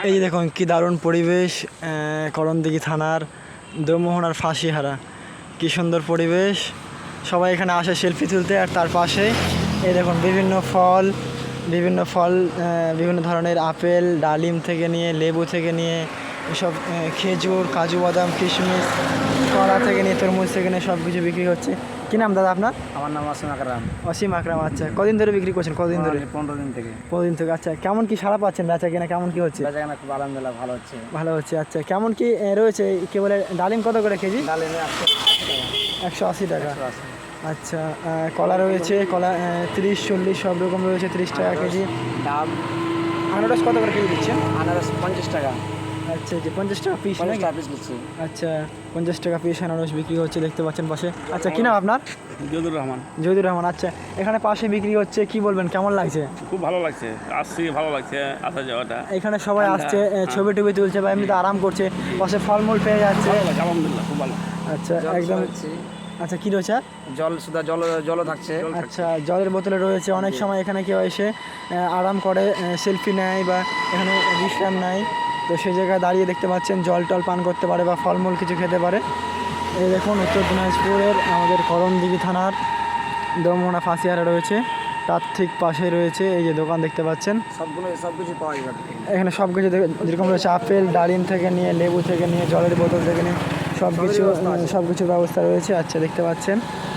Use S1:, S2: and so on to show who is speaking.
S1: এই যে দেখুন কি দারুণ পরিবেশ, করণদিঘি থানার দোমোহনার ফাঁসিহারা, কি সুন্দর পরিবেশ। সবাই এখানে আসে সেলফি তুলতে। আর তার পাশে এই দেখুন বিভিন্ন ফল, বিভিন্ন ধরনের আপেল, ডালিম থেকে নিয়ে লেবু থেকে নিয়ে এসব খেজুর, কাজু বাদাম, কিশমিশ, কলা থেকে নিয়ে তরমুজ থেকে নিয়ে সব কিছু বিক্রি হচ্ছে। কী নাম দাদা আপনার?
S2: আমার নাম অসীম আকরাম।
S1: অসীম আকরাম। আচ্ছা, কদিন ধরে বিক্রি করছেন? কদিন ধরে?
S2: 15 দিন থেকে।
S1: 15 দিন থেকে। আচ্ছা, কেমন কি সাড়া পাচ্ছেন? বেচা কেনা কেমন কি হচ্ছে?
S2: বেচা কেনা খুব আলহামদুলিল্লাহ ভালো হচ্ছে।
S1: ভালো হচ্ছে। আচ্ছা, কেমন কি রয়েছে? কি বলে ডালিম কত করে কেজি?
S2: ডালিমে
S1: 180 টাকা।
S2: 180।
S1: আচ্ছা, কলা রয়েছে, কলা 30, 40 সব রকম রয়েছে, 30 টাকা কেজি।
S2: ডাব,
S1: আনারস কত করে কেজি দিচ্ছেন?
S2: আনারস 50 টাকা।
S1: আচ্ছা, যে 50 টাকা পিস?
S2: 50 টাকা পিস দিচ্ছি।
S1: আচ্ছা, 50 টাকা পিস আনারস বিক্রি হচ্ছে, দেখতে পাচ্ছেন পাশে। আচ্ছা, কি নাম আপনার?
S3: জহুরুর রহমান।
S1: জহুরুর রহমান। আচ্ছা, এখানে পাশে বিক্রি হচ্ছে, কি বলবেন, কেমন লাগছে?
S3: খুব ভালো লাগছে, আসছি ভালো লাগছে আসা যাওয়াটা।
S1: এখানে সবাই আসছে, ছবি টবি তুলছে বা এমনিতে আরাম করছে, পাশে ফলমূল পেয়ে যাচ্ছে।
S3: ভালো লাগছে, আলহামদুলিল্লাহ খুব ভালো।
S1: আচ্ছা, একদম। আচ্ছা, কি রয়েছে?
S2: জল সুদা জলও থাকছে।
S1: আচ্ছা, জলের বোতলে রয়েছে। অনেক সময় এখানে কেউ এসে আরাম করে, সেলফি নেয় বা এখানে বিশ্রাম নেয়, তো সেই জায়গায় দাঁড়িয়ে দেখতে পাচ্ছেন জল টল পান করতে পারে বা ফলমূল কিছু খেতে পারে। এই দেখুন উত্তর দিনাজপুরের আমাদের করণদিঘি থানার দোমোহনা ফাঁসিহারা রয়েছে, তার ঠিক পাশে রয়েছে এই যে দোকান দেখতে পাচ্ছেন।
S2: সব কিছু পাওয়া যাবে
S1: এখানে সব কিছু যেরকম রয়েছে, আপেল, ডালিম থেকে নিয়ে লেবু থেকে নিয়ে জলের বোতল থেকে নিয়ে সব কিছুর ব্যবস্থা রয়েছে। আচ্ছা, দেখতে পাচ্ছেন।